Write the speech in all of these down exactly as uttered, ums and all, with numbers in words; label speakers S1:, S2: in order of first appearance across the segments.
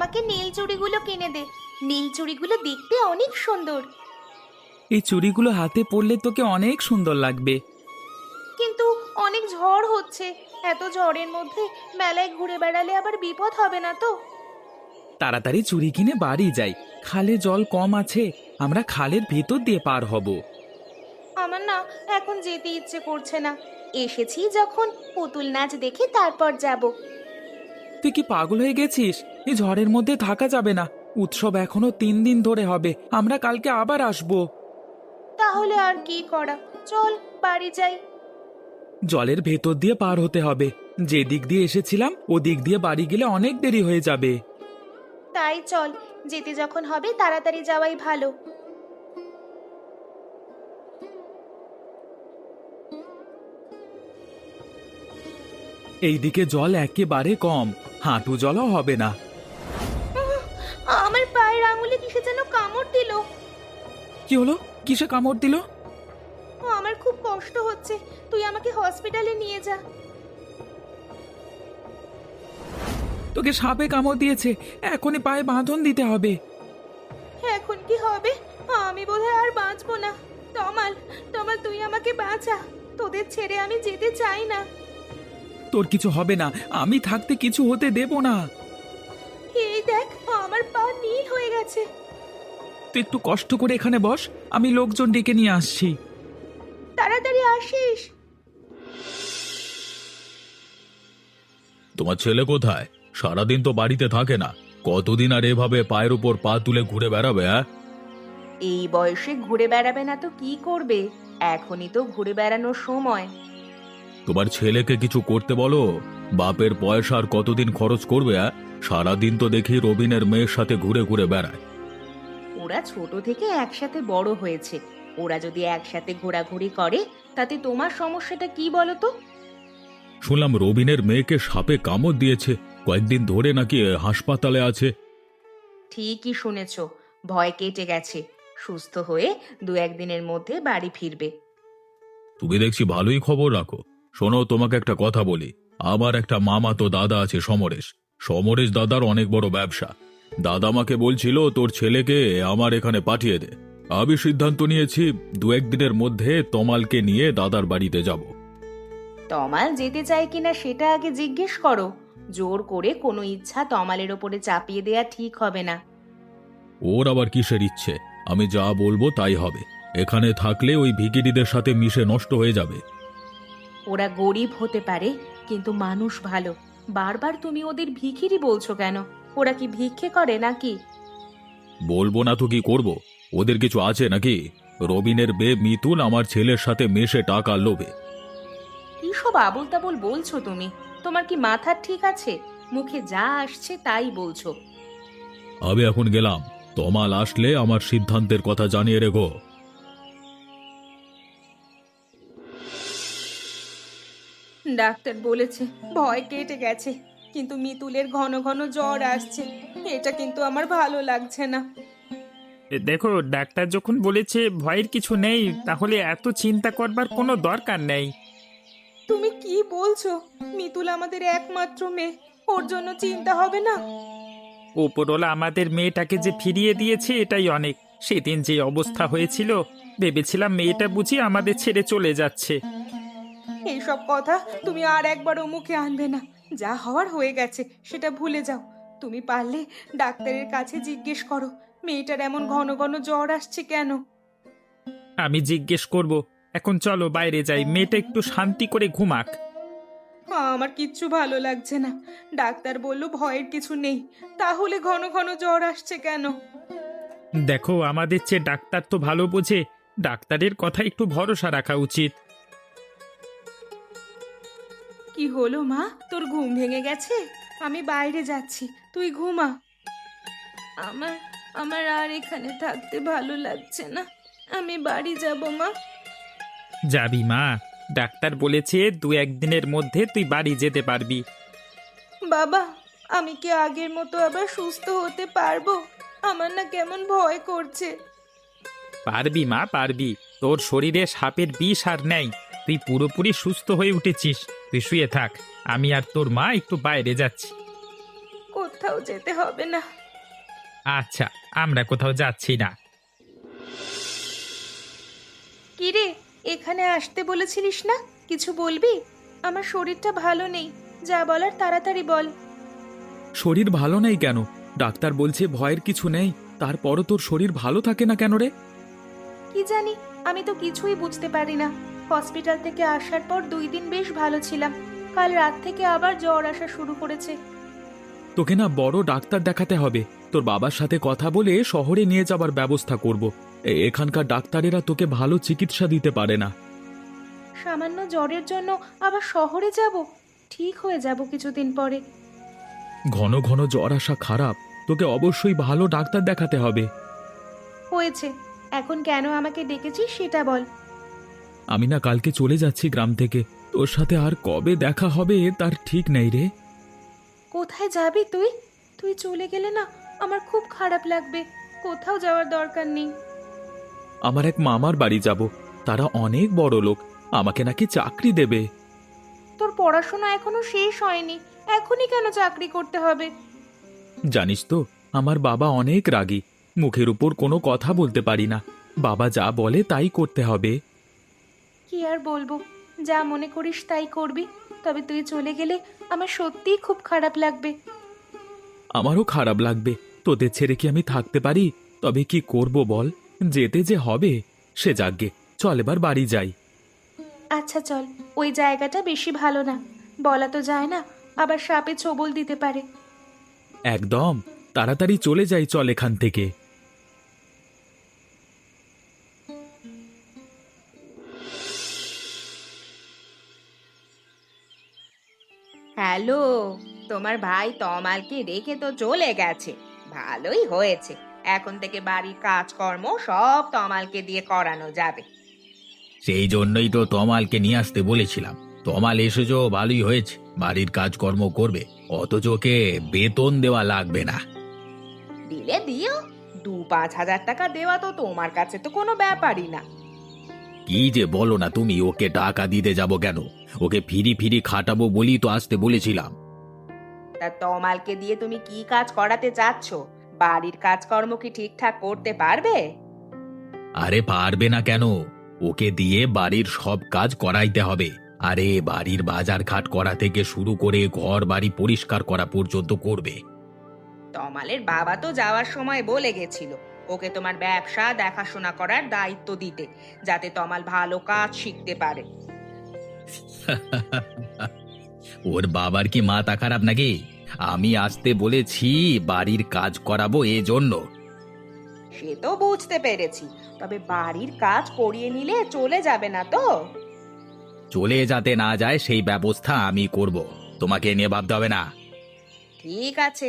S1: আমাকে নীল চুড়িগুলো কিনে দে। নীল চুড়িগুলো দেখতে অনেক সুন্দর।
S2: এই চুড়িগুলো হাতে পরলে তোকে অনেক সুন্দর লাগবে।
S1: কিন্তু অনেক ঝড় হচ্ছে, এত ঝড়ের মধ্যে মেলায় ঘুরে বেড়ালে আবার বিপদ হবে না তো?
S2: তাড়াতাড়ি চুড়ি কিনে বাড়ি যাই, খালে জল কম আছে, আমরা খালের ভেতর দিয়ে পার হব।
S1: আমার না এখন যেতে ইচ্ছে করছে না। এসেছি যখন, পুতুল নাচ দেখে তারপর যাব।
S2: তুই কি পাগল হয়ে গেছিস? এই ঝড়ের মধ্যে থাকা যাবে না, উৎসব এখনো তিন দিন ধরে হবে, আমরা কালকে আবার আসবো।
S1: তাহলে আর কি করা, চল বাড়ি যাই।
S2: জলের ভেতর দিয়ে পার হতে হবে, যে দিক দিয়ে এসেছিলাম ও দিক দিয়ে বাড়ি গেলে অনেক দেরি হয়ে যাবে।
S1: তাই চল, যেতে যখন হবে তাড়াতাড়ি যাওয়াই ভালো।
S2: এইদিকে জল একেবারে কম, হাঁটু জলও হবে না।
S1: উহ, আমার পায়ের আঙুলে কিসে যেন কামড় দিল।
S2: কি হলো? কিসে কামড় দিল?
S1: আমার খুব কষ্ট হচ্ছে, তুই আমাকে হসপিটালে নিয়ে যা।
S2: তোকে সাপে কামড় দিয়েছে, এখনই পায়ে বাঁধন দিতে হবে।
S1: এখন কি হবে? আমি বোধহয় আর বাঁচবো না। তমাল, তমাল তুই আমাকে বাঁচা, তোদের ছেড়ে আমি যেতে চাই না।
S2: তোর কিছু হবে না, আমি থাকতে কিছু হতে দেব না।
S1: এই দেখ, আমার পা নীল হয়ে গেছে।
S2: তুই একটু কষ্ট করে এখানে বস, আমি লোকজন ডেকে নিয়ে আসছি।
S1: তাড়াতাড়ি আসিস।
S3: তোমার ছেলে কোথায়? সারাদিন তো বাড়িতে থাকে না, কতদিন আর এভাবে পায়ের উপর পা তুলে ঘুরে বেড়াবে? হ্যাঁ,
S1: এই বয়সে ঘুরে বেড়াবে না তো কি করবে? এখনই তো ঘুরে বেড়ানোর সময়।
S3: তোমার ছেলেকে কিছু করতে বলো। বাপের পয়সা আর কতদিন খরচ করবে? হ্যাঁ, সারাদিন তো দেখি রবিনের মেয়ের সাথে ঘুরে ঘুরে বেড়ায়।
S1: ওরা ছোট থেকে একসাথে বড় হয়েছে, ওরা যদি একসাথে ঘোরাঘুরি করে তাতে তোমার সমস্যাটা কি বলো তো?
S3: শুনলাম রবিনের মেয়েকে সাপে কামড় দিয়েছে, কয়েকদিন ধরে নাকি হাসপাতালে আছে।
S1: ঠিকই শুনেছ, ভয় কেটে গেছে, সুস্থ হয়ে দু একদিনের মধ্যে বাড়ি ফিরবে।
S3: তুমি দেখছি ভালোই খবর রাখো। শোনো, তোমাকে একটা কথা বলি। আমার একটা মামা তো দাদা আছে, সমরেশ। সমরেশ দাদার অনেক বড় ব্যবসা। দাদা আমাকে বলছিল তোর ছেলেকে আমার এখানে পাঠিয়ে দে। আমি সিদ্ধান্ত নিয়েছি দু একদিনের মধ্যে তমালকে নিয়ে দাদার বাড়িতে যাব।
S1: তমাল যেতে চায় কিনা সেটা আগে জিজ্ঞেস করো। জোর করে কোনো ইচ্ছা তমালের ওপরে চাপিয়ে দেয়া ঠিক হবে না।
S3: ওর আবার কিসের ইচ্ছে? আমি যা বলবো তাই হবে। এখানে থাকলে ওই ভিখিরিদের সাথে মিশে নষ্ট হয়ে যাবে।
S1: ওরা গরিব হতে পারে, কিন্তু মানুষ ভালো। বারবার তুমি ওদের ভিখিরি বলছো কেন? ওরা কি ভিক্ষে করে নাকি?
S3: বলবো না তো কি করব? ওদের কিছু আছে নাকি? রবিনের বে মিতুল আমার ছেলের সাথে মেশে টাকা লোভে।
S1: কি সব আবল তাবল বলছো তুমি? তোমার কি মাথা ঠিক আছে? মুখে যা আসছে তাই বলছো।
S3: আমি এখন গেলাম, তমাল আসলে আমার সিদ্ধান্তের কথা জানিয়ে রেখো।
S1: ডাক্তার বলেছে ভয় কেটে গেছে, কিন্তু মিতুলের ঘন ঘন জ্বর আসছে। এটা কিন্তু আমার ভালো লাগছে না।
S4: এ দেখো, ডাক্তার যখন বলেছে ভয়ের কিছু নেই, তাহলে এত চিন্তা করবার কোনো দরকার নেই।
S1: তুমি কি বলছো? মিতুল আমাদের একমাত্র মেয়ে, ওর জন্য চিন্তা হবে না?
S4: ওপরওয়ালা আমাদের মেয়েটাকে যে ফিরিয়ে দিয়েছে এটাই অনেক। সেদিন যে অবস্থা হয়েছিল, ভেবেছিলাম মেয়েটা বুঝি আমাদের ছেড়ে চলে যাচ্ছে।
S1: এইসব কথা তুমি আর একবারও মুখে আনবে না। যা হওয়ার হয়ে গেছে, সেটা ভুলে যাও। তুমি পারলে ডাক্তারের কাছে জিজ্ঞেস করো মেয়েটার এমন ঘন ঘন জ্বর আসছে কেন।
S4: আমি জিজ্ঞেস করব। এখন চলো বাইরে যাই, মেয়েটা একটু শান্তি করে ঘুমাক।
S1: আমার কিচ্ছু ভালো লাগছে না। ডাক্তার বলল ভয়ের কিছু নেই, তাহলে ঘন ঘন জ্বর আসছে কেন?
S4: দেখো, আমাদের চেয়ে ডাক্তার তো ভালো বোঝে, ডাক্তারের কথা একটু ভরসা রাখা উচিত।
S1: কি হলো মা, তোর ঘুম ভেঙে গেছে? আমি বাইরে যাচ্ছি, তুই ঘুমা। আমার আমার আর এখানে থাকতে ভালো লাগছে না, আমি বাড়ি যাব মা।
S4: যাবি মা? ডাক্তার বলেছে দু একদিনের মধ্যে তুই বাড়ি যেতে পারবি।
S1: বাবা, আমি কি আগের মতো আবার সুস্থ হতে পারবো? আমার না কেমন ভয় করছে।
S4: পারবি মা, পারবি। তোর শরীরে সাপের বিষ আর নেই, তুই পুরোপুরি সুস্থ হয়ে উঠেছিস। তুই শুয়ে থাক, আমি আর তোর মা একটু বাইরে যাচ্ছি।
S1: কোথায় কোথাও যেতে হবে না।
S4: আচ্ছা, আমরা কোথাও যাচ্ছি না।
S1: কিরে, এখানে আসতে বলেছিলিস না? কিছু বলবি? আমার শরীরটা ভালো নেই, যা বলার তাড়াতাড়ি বল।
S2: শরীর ভালো নেই কেন? ডাক্তার বলছে ভয়ের কিছু নেই, তারপরও তোর শরীর ভালো থাকে না কেন রে?
S1: কি জানি, আমি তো কিছুই বুঝতে পারি না। হসপিটাল থেকে আসার পর দুই দিন বেশ ভালো ছিলাম, কাল রাত থেকে আবার জ্বর আসা শুরু করেছে।
S2: তোকে না বড় ডাক্তার দেখাতে হবে। তোর বাবার সাথে কথা বলে শহরে নিয়ে যাবার ব্যবস্থা করব। এ- এখানকার ডাক্তারেরা তোকে ভালো চিকিৎসা দিতে পারে না।
S1: সামান্য জ্বরের জন্য আবার শহরে যাব? ঠিক হয়ে যাব কিছুদিন পরে।
S2: ঘন ঘন জ্বর আসা খারাপ, তোকে অবশ্যই ভালো ডাক্তার দেখাতে হবে।
S1: হয়েছে, এখন কেন আমাকে ডেকেছিস সেটা বল।
S2: আমি না কালকে চলে যাচ্ছি গ্রাম থেকে, তোর সাথে আর কবে দেখা হবে তার ঠিক নেই রে।
S1: কোথায় যাবি তুই? তুই চলে গেলে না আমার খুব খারাপ লাগবে। কোথাও যাওয়ার দরকার নেই।
S2: আমার এক মামার বাড়ি যাব, তারা অনেক বড় লোক, আমাকে নাকি চাকরি দেবে।
S1: তোর পড়াশোনা এখনো শেষ হয়নি, এখনই কেন চাকরি করতে হবে?
S2: জানিস তো, আমার বাবা অনেক রাগী, মুখের উপর কোনো কথা বলতে পারি না। বাবা যা বলে তাই করতে হবে।
S1: কি আর বলবো, যা মনে করিস তাই করবি। তবে তুই চলে গেলে আমার সত্যিই খুব খারাপ লাগবে।
S2: আমারও খারাপ লাগবে, তোদের ছেড়ে কি আমি থাকতে পারি? তবে কি করব বল, যেতে যে হবে। সে যাগ্গে, চল এবার বাড়ি যাই।
S1: আচ্ছা চল, ওই জায়গাটা বেশি ভালো না, বলা তো যায় না, আবার সাপে ছোবল দিতে পারে।
S2: একদম, তাড়াতাড়ি চলে যাই, চল এখান থেকে।
S1: হ্যালো, তোমার ভাই তমালকে রেখে তো চলে গেছে। ভালোই হয়েছে, এখন থেকে বাড়ির কাজকর্ম সব তমালকে দিয়ে করানো যাবে।
S3: সেই জন্যই তো তমালকে নিয়ে আসতে বলেছিলাম। তমাল এসেছো, ভালোই হয়েছে, বাড়ির কাজকর্ম করবে, অথচ ওকে বেতন দেওয়া লাগবে না।
S1: দিলে দিও, দু পাঁচ হাজার টাকা দেওয়া তো তোমার কাছে তো কোনো ব্যাপারই না।
S3: কি যে বলো না তুমি, ওকে টাকা দিতে যাব কেন? ওকে ফিরি ফিরি খাটাবো বলি তো আসতে বলেছিলাম।
S1: তা তমালকে দিয়ে তুমি কি কাজ করাতে চাচ্ছ? বাড়ির কাজকর্ম কি ঠিকঠাক করতে পারবে?
S3: আরে পারবে না কেন? ওকে দিয়ে বাড়ির সব কাজ করাইতে হবে। আরে বাড়ির বাজার ঘাট করা থেকে শুরু করে ঘর বাড়ি পরিষ্কার করা পর্যন্ত করবে।
S1: তমালের বাবা তো যাওয়ার সময় বলে গেছিল ওকে তোমার ব্যবসা দেখাশোনা করার দায়িত্ব দিতে, যাতে তমাল ভালো কাজ শিখতে পারে।
S3: ওর বাবার কি মাথা খারাপ নাকি? আমি আসতে বলেছি বাড়ির কাজ করাবো এজন্য।
S1: সে তো বুঝতে পেরেছি, তবে বাড়ির কাজ করিয়ে নিলে চলে যাবে না তো?
S3: চলে যাতে না যায় সেই ব্যবস্থা আমি করব, তোমাকে নিয়ে ভাবতে হবে না।
S1: ঠিক আছে।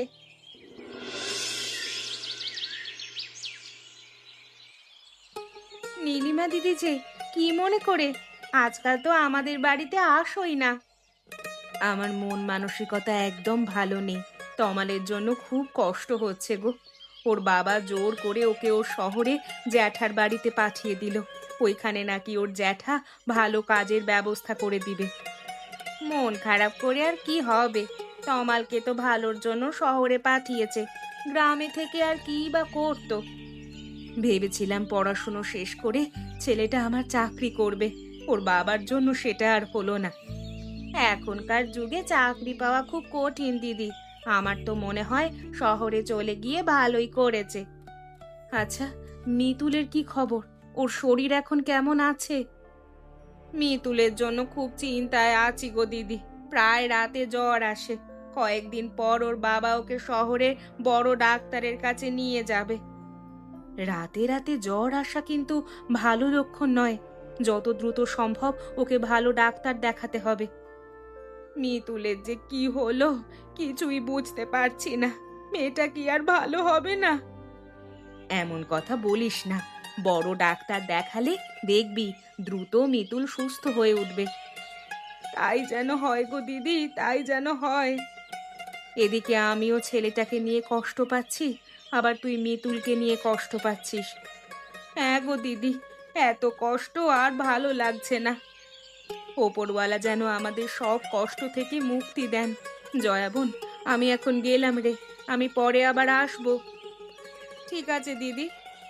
S1: নীলিমা দিদি যে, কি মনে করে? আজকাল তো আমাদের বাড়িতে আসোই না। আমার মন মানসিকতা একদম ভালো নেই, তমালের জন্য খুব কষ্ট হচ্ছে গো। ওর বাবা জোর করে ওকে ওর শহরে জ্যাঠার বাড়িতে পাঠিয়ে দিল। ওইখানে নাকি ওর জ্যাঠা ভালো কাজের ব্যবস্থা করে দিবে। মন খারাপ করে আর কি হবে? তমালকে তো ভালোর জন্য শহরে পাঠিয়েছে, গ্রামে থেকে আর কি বা করতো। ভেবেছিলাম পড়াশুনো শেষ করে ছেলেটা আমার চাকরি করবে, ওর বাবার জন্য সেটা আর হলো না। এখনকার যুগে চাকরি পাওয়া খুব কঠিন দিদি, আমার তো মনে হয় শহরে চলে গিয়ে ভালোই করেছে। আচ্ছা, মিতুলের কি খবর? ওর শরীর এখন কেমন আছে? মিতুলের জন্য খুব চিন্তায় আছি গো দিদি, প্রায় রাতে জ্বর আসে। কয়েকদিন পর ওর বাবা ওকে শহরে বড় ডাক্তারের কাছে নিয়ে যাবে। রাতে রাতে জ্বর আসা কিন্তু ভালো লক্ষণ নয়, যত দ্রুত সম্ভব ওকে ভালো ডাক্তার দেখাতে হবে। মিতুলের যে কি হলো কিছুই বুঝতে পারছি না, মেয়েটা কি আর ভালো হবে না? এমন কথা বলিস না, বড় ডাক্তার দেখালে দেখবি দ্রুত মিতুল সুস্থ হয়ে উঠবে। তাই যেন হয় গো দিদি, তাই যেন হয়। এদিকে আমিও ছেলেটাকে নিয়ে কষ্ট পাচ্ছি, আবার তুই মিতুলকে নিয়ে কষ্ট পাচ্ছিস। হ্যাঁ গো দিদি, এত কষ্ট আর ভালো লাগছে না। ওপরওয়ালা যেন আমাদের সব কষ্ট থেকে মুক্তি দেন। জয়া বোন, আমি এখন গেলাম রে, আমি পরে আবার আসবো। ঠিক আছে দিদি।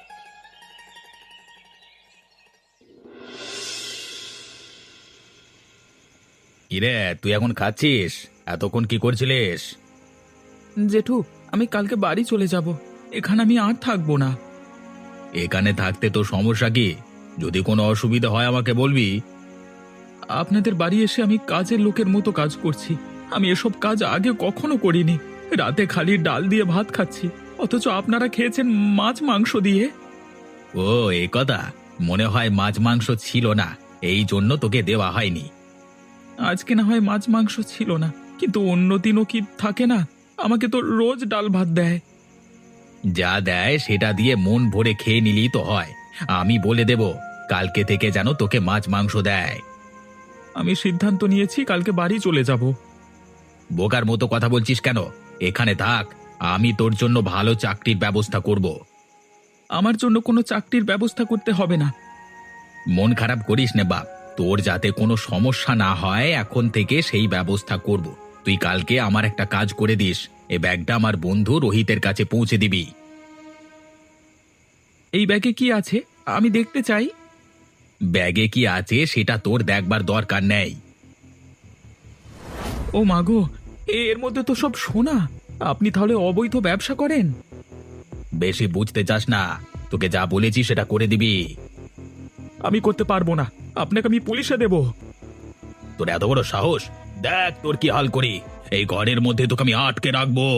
S3: কিরে, তুই এখন খাচ্ছিস? এতক্ষণ কি করছিলিস?
S2: জেঠু, আমি কালকে বাড়ি চলে যাব। এখানে আমি আর থাকবো না।
S3: এখানে থাকতে তোর সমস্যা কি? যদি কোনো অসুবিধা হয় আমাকে বলবি।
S2: আপনাদের বাড়ি এসে আমি কাজের লোকের মতো কাজ করছি। আমি এসব কাজ আগে কখনো করিনি। রাতে খালি ডাল দিয়ে ভাত খাচ্ছি, অথচ আপনারা খেয়েছেন মাছ মাংস দিয়ে।
S3: ও, এই কথা। মনে হয় মাছ মাংস ছিল না, এই জন্য তোকে দেওয়া হয়নি।
S2: আজকে না হয় মাছ মাংস ছিল না, কিন্তু অন্য দিনও কি থাকে না? আমাকে তো রোজ ডাল ভাত দেয়।
S3: যা দেয় সেটা দিয়ে মন ভরে খেয়ে নিলি তো হয়। আমি বলে দেব কালকে থেকে যেন তোকে মাছ মাংস দেয়।
S2: আমি সিদ্ধান্ত নিয়েছি কালকে বাড়ি চলে যাব।
S3: বোকার মতো কথা বলছিস কেন? এখানে থাক, আমি তোর জন্য ভালো চাকরির ব্যবস্থা করব।
S2: আমার জন্য কোনো চাকরির ব্যবস্থা করতে হবে না।
S3: মন খারাপ করিস নে বাপ, তোর যাতে কোনো সমস্যা না হয় এখন থেকে সেই ব্যবস্থা করব। তুই কালকে আমার একটা কাজ করে দিস, এই ব্যাগটা আমার বন্ধু রোহিতের কাছে পৌঁছে দিবি।
S2: এই ব্যাগে কি আছে আমি দেখতে চাই।
S3: ব্যাগে কি আছে সেটা তোর দেখবার দরকার নেই।
S2: ও মাগো, এর মধ্যে তো সব সোনা। আপনি তাহলে অবৈধ ব্যবসা করেন?
S3: বেশি বুঝতে চাস না, তোকে যা বলেছি সেটা করে দিবি।
S2: আমি করতে পারবো না, আপনাকে আমি পুলিশে দেব।
S3: তোর এত বড় সাহস! দেখ তোর কি হাল করি। এই ঘরের মধ্যে তোকে আমি আটকে রাখবো।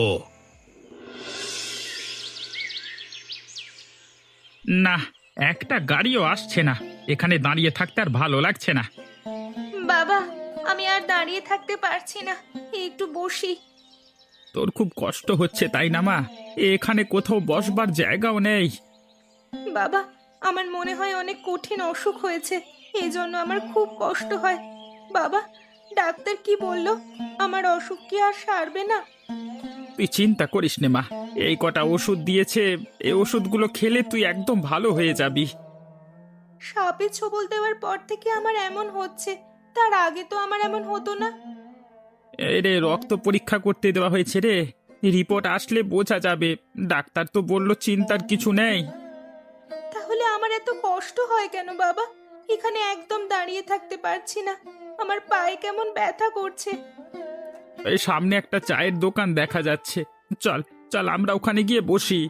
S4: না, একটা গাড়িও আসছে না। এখানে দাঁড়িয়ে থাকতে আর ভালো লাগছে না।
S1: বাবা, আমি আর দাঁড়িয়ে থাকতে পারছি না, একটু বসি।
S4: তোর খুব কষ্ট হচ্ছে তাই না মা? এখানে কোথাও বসবার জায়গাও নেই।
S1: বাবা, আমার মনে হয় অনেক কঠিন অসুখ হয়েছে, এই জন্য আমার খুব কষ্ট হয়। বাবা, ডাক্তার কি বললো? আমার অসুখ কি আর সারবে না?
S4: তুই চিন্তা করিস নে মা, এই কটা ওষুধ দিয়েছে, এই ওষুধগুলো খেলে তুই একদম ভালো হয়ে যাবি।
S1: সাপে ছোবল দেওয়ার পর থেকে আমার এমন হচ্ছে, তার আগে তো আমার এমন হতো না।
S4: এই রে, রক্ত পরীক্ষা করতে দেওয়া হয়েছে রে, রিপোর্ট আসলে বোঝা যাবে। ডাক্তার তো বললো চিন্তার কিছু নেই।
S1: তাহলে আমার এত কষ্ট হয় কেন বাবা? এখানে একদম দাঁড়িয়ে থাকতে পারছি না, আমার পায়ে কেমন ব্যথা করছে।
S4: এই সামনে একটা চায়ের দোকান দেখা যাচ্ছে, চল চল আমরা ওখানে গিয়ে বসি।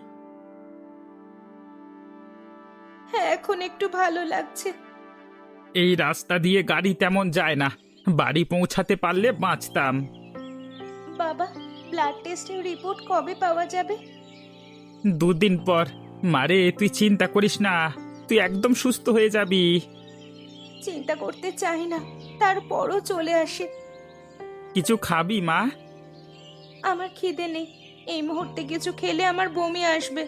S1: হ্যাঁ, এখন একটু ভালো লাগছে।
S4: এই রাস্তা দিয়ে গাড়ি তেমন যায় না, বাড়ি পৌঁছাতে পারলে বাঁচতাম।
S1: বাবা, ব্লাড টেস্টের রিপোর্ট কবে পাওয়া যাবে?
S4: দুদিন পর। মারে, তুই চিন্তা করিস না, তুই একদম সুস্থ হয়ে যাবি।
S1: চিন্তা করতে চাই না, তারপরও চলে আসে।
S4: কিছু খাবি মা?
S1: আমার খিদে নেই, এই মুহূর্তে কিছু খেলে আমার বমি আসবে।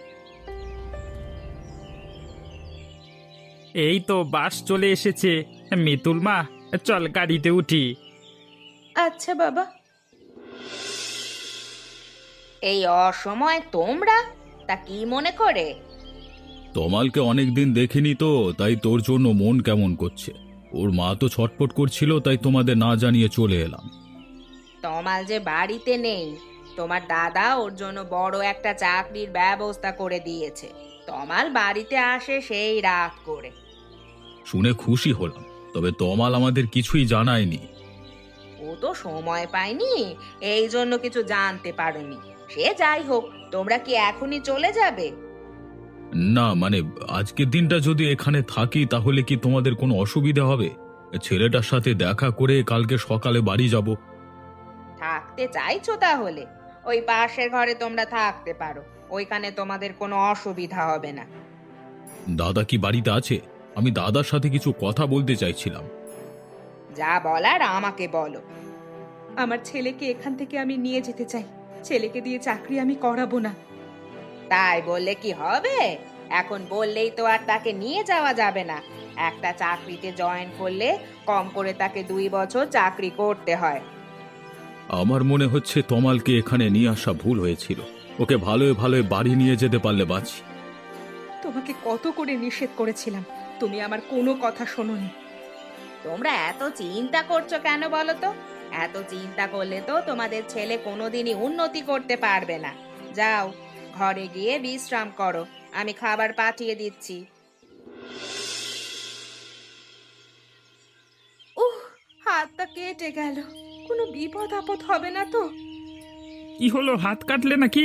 S4: এই তো বাস চলে এসেছে। মিতুল মা, চল গাড়িতে উঠি।
S1: আচ্ছা বাবা।
S5: এই অসময় তোমরা তা কি মনে করে?
S3: তমালকে অনেকদিন দেখিনি তো, তাই তোর জন্য মন কেমন করছে। ওর মা তো ছটফট করছিল, তাই তোমাদের না জানিয়ে চলে এলাম।
S5: তমাল যে বাড়িতে নেই, তোমার দাদা ওর জন্য বড় একটা চাকরির ব্যবস্থা করে দিয়েছে। তমাল বাড়িতে আসে সেই রাত করে।
S3: শুনে খুশি হলাম, তবে তমাল আমাদের কিছুই জানায়নি।
S5: ও তো সময় পায়নি, এই জন্য কিছু জানতে পারোনি। সে যাই হোক, তোমরা কি এখনই চলে যাবে?
S3: না মানে, আজকের দিনটা যদি এখানে থাকি তাহলে কি তোমাদের কোনো অসুবিধা হবে? ছেলেটার সাথে দেখা করে কালকে সকালে বাড়ি যাব।
S5: থাকতে চাইছো তাহলে ওই পাশের ঘরে তোমরা থাকতে পারো, ওইখানে তোমাদের কোনো অসুবিধা হবে না।
S3: দাদা কি বাড়িতে আছে? আমি দাদার সাথে কিছু কথা বলতে চাইছিলাম।
S5: যা বলার আমাকে বলো।
S1: আমার ছেলেকে এখান থেকে আমি নিয়ে যেতে চাই, ছেলেকে দিয়ে চাকরি আমি করাবো না।
S5: তাই বললে কি হবে? এখন বললেই তো আর তাকে নিয়ে যাওয়া যাবে না। একটা চাকরিতে জয়েন করলে কম করে তাকে দুই বছর চাকরি করতে হয়।
S3: আমার মনে হচ্ছে তমালকে এখানে নিয়ে আসা ভুল হয়েছিল। ওকে ভালোই ভালোই বাড়ি নিয়ে যেতে পারলে বাঁচি।
S1: তোমাকে কত করে নিষেধ করেছিলাম, তুমি আমার কোনো কথা শোনোনি।
S5: তোমরা এত চিন্তা করছো কেন বলো তো? এত চিন্তা করলে তো তোমাদের ছেলে কোনোদিনই উন্নতি করতে পারবে না। যাও, ঘরে গিয়ে বিশ্রাম করো, আমি খাবার পাঠিয়ে দিচ্ছি।
S1: উহ, হাতটা কেটে গেল। কোনো বিপদ আপদ হবে না তো?
S4: কি হলো, হাত কাটলে নাকি?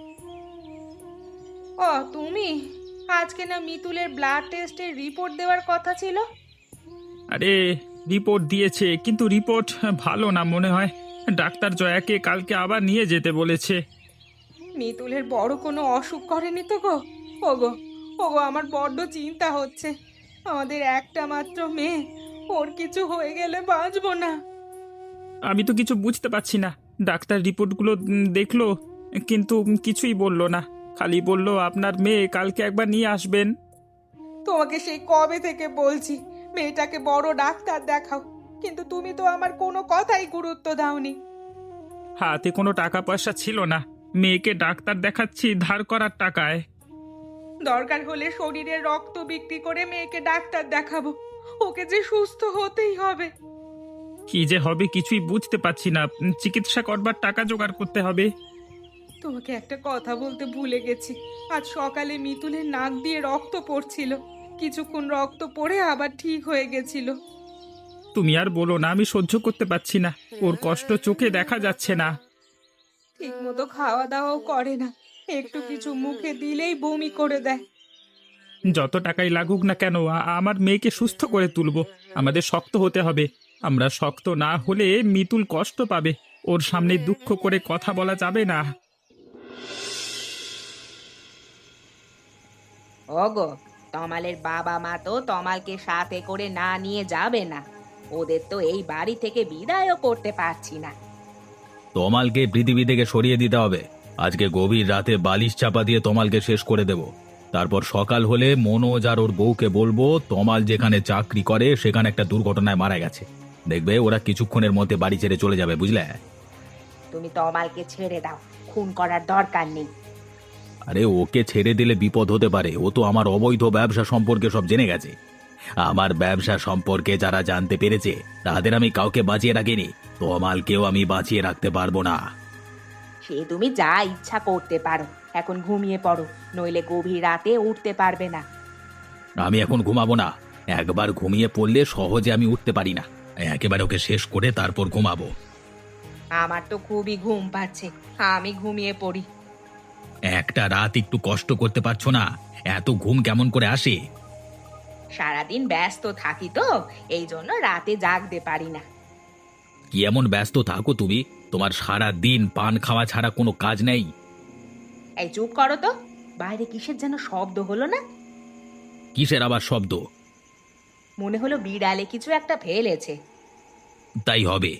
S1: ও তুমি, আজকে না মিতুলের ব্লাড টেস্টের রিপোর্ট দেওয়ার কথা ছিল?
S4: আরে, রিপোর্ট দিয়েছে কিন্তু রিপোর্ট ভালো না মনে হয়। ডাক্তার জয়াকে কালকে আবার নিয়ে যেতে বলেছে।
S1: মিতুলের বড় কোনো অসুখ করেনি তো গো? ওগো, ওগো, আমার বড্ড চিন্তা হচ্ছে। আমাদের একটা মাত্র মেয়ে, ওর কিছু হয়ে গেলে বাঁচবো না।
S4: আমি তো কিছু বুঝতে পারছি না। ডাক্তার রিপোর্টগুলো উম, দেখলো, কিন্তু কিছুই বললো না। খালি বলল আপনার মেয়ে কালকে একবার নিয়ে আসবেন।
S1: তোমাকে সেই কবে থেকে বলছি মেয়েটাকে বড় ডাক্তার দেখাও, কিন্তু তুমি তো আমার কোনো কথাই গুরুত্ব দাওনি।
S4: হাতে কোনো টাকা পয়সা ছিল না, মেয়েকে ডাক্তার দেখাচ্ছি ধার করার টাকায়।
S1: দরকার হলে শরীরের রক্ত বিক্রি করে মেয়েকে ডাক্তার দেখাবো, ওকে যে সুস্থ হতেই হবে।
S4: কি যে হবে কিছুই বুঝতে পারছি না। উম, চিকিৎসা করবার টাকা জোগাড় করতে হবে।
S1: তোমাকে একটা কথা বলতে ভুলে গেছি। আজ সকালে মিতুলের নাক দিয়ে রক্ত পড়ছিল, কিছুক্ষণ রক্ত পড়ে আবার ঠিক হয়ে গেছিল।
S4: তুমি আর বলো না, আমি সহ্য করতে পারছি না। ওর কষ্ট চোখে দেখা যাচ্ছে না।
S1: ঠিক মতো খাওয়া দাওয়াও করে না, একটু কিছু মুখে দিলেই বমি করে দেয়।
S4: যত টাকাই লাগুক না কেন, আ- আমার মেয়েকে সুস্থ করে তুলবো। আমাদের শক্ত হতে হবে। আমরা শক্ত না হলে মিতুল কষ্ট পাবে। ওর সামনে দুঃখ করে কথা বলা যাবে না।
S5: ওগো, তমালের বাবা মা তো তমালকে সাথে করে না নিয়ে যাবে না। ওদের তো এই বাড়ি থেকে বিদায়ও করতে পারছি না।
S3: তমালকে পৃথিবী থেকে সরিয়ে দিতে হবে। আজকে গভীর রাতে বালিশ চাপা দিয়ে তমালকে শেষ করে দেব। তারপর সকাল হলে মনোজ আর ওর বউকে বলবো তমাল যেখানে চাকরি করে সেখানে একটা দুর্ঘটনায় মারা গেছে। দেখবে ওরা কিছুক্ষণের মধ্যে বাড়ি ছেড়ে চলে যাবে, বুঝলে?
S5: তুমি তমালকে ছেড়ে দাও, খুন করার দরকার নেই।
S3: আরে ওকে ছেড়ে দিলে বিপদ হতে পারে। ও তো আমার অবৈধ ব্যবসা সম্পর্কে সব জেনে গেছে। আমার ব্যবসা সম্পর্কে যারা জানতে পেরেছে তাদের আমি কাউকে বাঁচিয়ে রাখিনি। তমালকেও আমি বাঁচিয়ে রাখতে পারবো না।
S5: সে তুমি যা ইচ্ছা করতে পারো, এখন ঘুমিয়ে পড়ো, নইলে গভীর রাতে উঠতে পারবে না।
S3: আমি এখন ঘুমাবো না। একবার ঘুমিয়ে পড়লে সহজে আমি উঠতে পারি না। একেবারে ওকে শেষ করে তারপর ঘুমাবো।
S5: আমার তো খুবই ঘুম পাচ্ছে, আমি ঘুমিয়ে পড়ি।
S3: একটা রাত একটু কষ্ট করতে পারছো না? এত ঘুম কেমন করে আসে?
S5: সারাদিন ব্যস্ত থাকি তো, এই জন্য রাতে জাগতে পারি না।
S3: কি এমন ব্যস্ত থাকো তুমি? তোমার সারা দিন পান খাওয়া ছাড়া কোনো কাজ নেই?
S5: এই চুপ করো তো, বাইরে কিসের যেন শব্দ হলো না?
S3: কিসের আবার শব্দ?
S5: মনে হলো বিড়ালে কিছু একটা ফেলেছে।
S3: তাই হবে।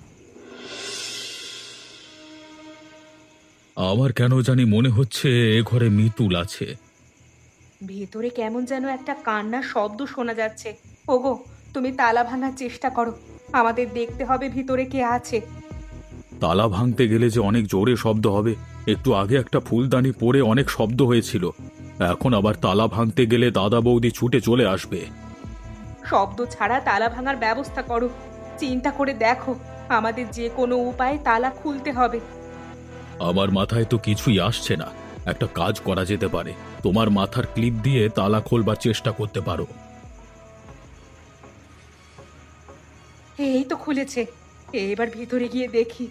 S3: আমার কেন জানি মনে হচ্ছে এ ঘরে মিতুল আছে।
S1: ভেতরে কেমন যেন একটা কান্নার শব্দ শোনা যাচ্ছে। ওগো, তুমি তালা ভাঙার চেষ্টা করো, আমাদের দেখতে হবে ভিতরে কে আছে।
S3: তালা ভাঙতে গেলে যে অনেক জোরে শব্দ হবে। একটু আগে একটা ফুলদানি পড়ে অনেক শব্দ হয়েছিল। এখন আবার তালা ভাঙতে গেলে দাদা বৌদি ছুটে চলে আসবে।
S1: শব্দ ছাড়া তালা ভাঙার ব্যবস্থা করো। চিন্তা করে দেখো, আমাদের যে কোনো উপায়ে তালা খুলতে হবে।
S3: আমার মাথায় তো কিছুই আসছে না। একটা কাজ করা যেতে পারে। তোমার মাথার ক্লিপ দিয়ে তালা খোলবার চেষ্টা করতে পারো।
S1: এই তো খুলেছে, এবার ভিতরে গিয়ে দেখি।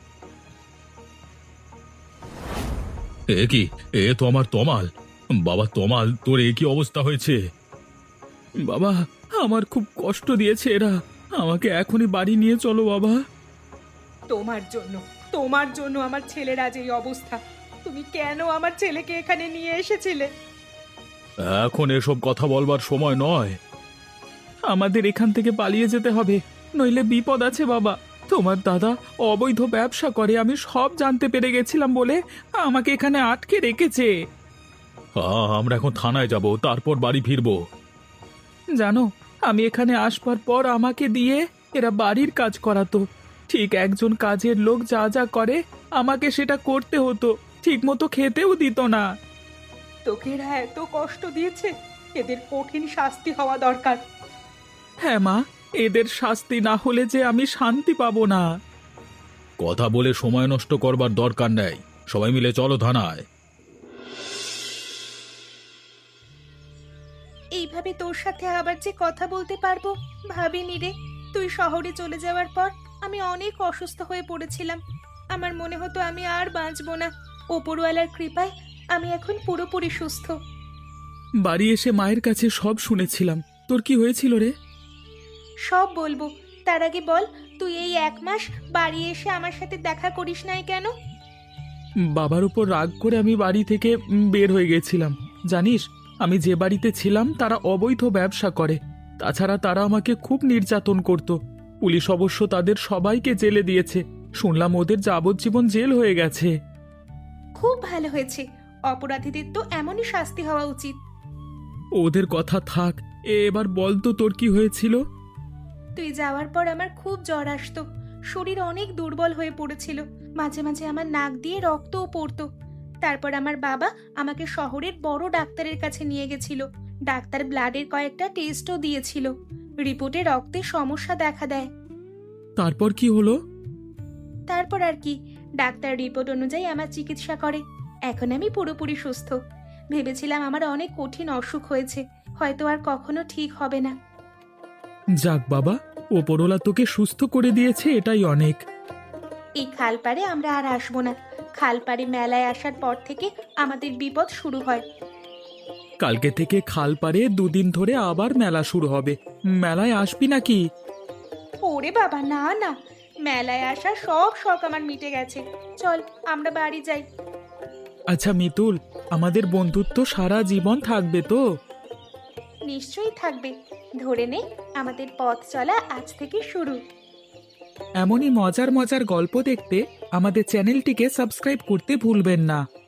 S3: এ কি? এ তো আমার তমাল। বাবা তমাল, তোর এ কি অবস্থা হয়েছে?
S2: বাবা, আমার খুব কষ্ট দিয়েছে এরা। আমাকে এখনই বাড়ি নিয়ে চলো বাবা।
S1: তোমার জন্য, তোমার জন্য আমার ছেলের আজ এই অবস্থা। তুমি কেন আমার ছেলেকে এখানে নিয়ে এসেছিলে?
S3: এখন এসব কথা বলবার সময় নয়।
S2: আমাদের এখান থেকে পালিয়ে যেতে হবে, নইলে বিপদ আছে বাবা। তোমার দাদা অবৈধ ব্যবসা করে, আমি সব জানতে পেরে গেছিলাম বলে আমাকে এখানে আটকে রেখেছে।
S3: আ, আমরা এখন থানায় যাব, তারপর বাড়ি ফিরবো।
S2: জানো, আমি এখানে আসবার পর আমাকে দিয়ে এরা বাড়ির কাজ করাতো। ঠিক একজন কাজের লোক যা যা করে আমাকে সেটা করতে হতো, ঠিক মতো খেতেও দিত না।
S1: তোকে এরা এত কষ্ট দিয়েছে, এদের কঠিন শাস্তি হওয়া দরকার।
S2: হ্যাঁ মা, এদের শাস্তি না হলে যে আমি শান্তি পাবো না।
S3: কথা বলে সময় নষ্ট করবার দরকার নেই। সবাই মিলে চলো থানায়।
S1: এইভাবে তোর সাথে আবার যে কথা বলতে পারবো ভাবিনি রে। তুই শহরে চলে যাওয়ার পর আমি অনেক অসুস্থ হয়ে পড়েছিলাম। আমার মনে হতো আমি আর বাঁচবো না। ওপরওয়ালার কৃপায় আমি এখন পুরোপুরি সুস্থ।
S2: বাড়ি এসে মায়ের কাছে সব শুনেছিলাম। তোর কি হয়েছিল রে?
S1: সব বলবো, তার আগে বল, তুই এই এক মাস বাড়ি এসে আমার সাথে দেখা করিস নাই কেন?
S2: বাবার উপর রাগ করে আমি বাড়ি থেকে উম, বের হয়ে গেছিলাম। জানিস, আমি যে বাড়িতে ছিলাম তারা অবৈধ ব্যবসা করে। তাছাড়া তারা আমাকে খুব নির্যাতন করত। পুলিশ অবশ্য তাদের সবাইকে জেলে দিয়েছে। শুনলাম ওদের যাবজ্জীবন জেল হয়ে গেছে।
S1: খুব ভালো হয়েছে। অপরাধীদের তো এমনই শাস্তি হওয়া উচিত।
S2: ওদের কথা থাক, এবার বল তো তোর কি হয়েছিল?
S1: তুই যাওয়ার পর আমার খুব জ্বর আসতো। শরীর অনেক দুর্বল হয়ে পড়েছিল। মাঝে মাঝে আমার নাক দিয়ে রক্তও পড়তো। তারপর আমার বাবা আমাকে শহরের বড় ডাক্তারের কাছে নিয়ে গেছিল। ডাক্তার ব্লাডের কয়েকটা টেস্টও দিয়েছিল। রিপোর্টে রক্তের সমস্যা দেখা দেয়।
S2: তারপর কি হলো?
S1: তারপর আর কি, ডাক্তার রিপোর্ট অনুযায়ী আমার চিকিৎসা করে। এখন আমি পুরোপুরি সুস্থ। ভেবেছিলাম আমার অনেক কঠিন অসুখ হয়েছে, হয়তো আর কখনো ঠিক হবে না।
S2: যাক বাবা, ওপরওয়ালা তোকে সুস্থ করে দিয়েছে, এটাই অনেক।
S1: এই খালপাড়ে আমরা আর আসবো না। খালপাড়ে মেলায় আসার পর থেকে আমাদের বিপদ শুরু হয়।
S2: কালকে থেকে খাল পাড়ে দুদিন ধরে আবার মেলা শুরু হবে। মেলায় আসবি নাকি?
S1: ওরে বাবা, না না, মেলায় আসার সব শখ আমার মিটে গেছে। চল আমরা বাড়ি যাই।
S2: আচ্ছা মিতুল, আমাদের বন্ধুত্ব সারা জীবন থাকবে তো?
S1: নিশ্চয়ই থাকবে। ধরে নে, আমাদের পথ চলা আজ থেকে শুরু।
S2: এমনই মজার মজার গল্প দেখতে আমাদের চ্যানেলটিকে সাবস্ক্রাইব করতে ভুলবেন না।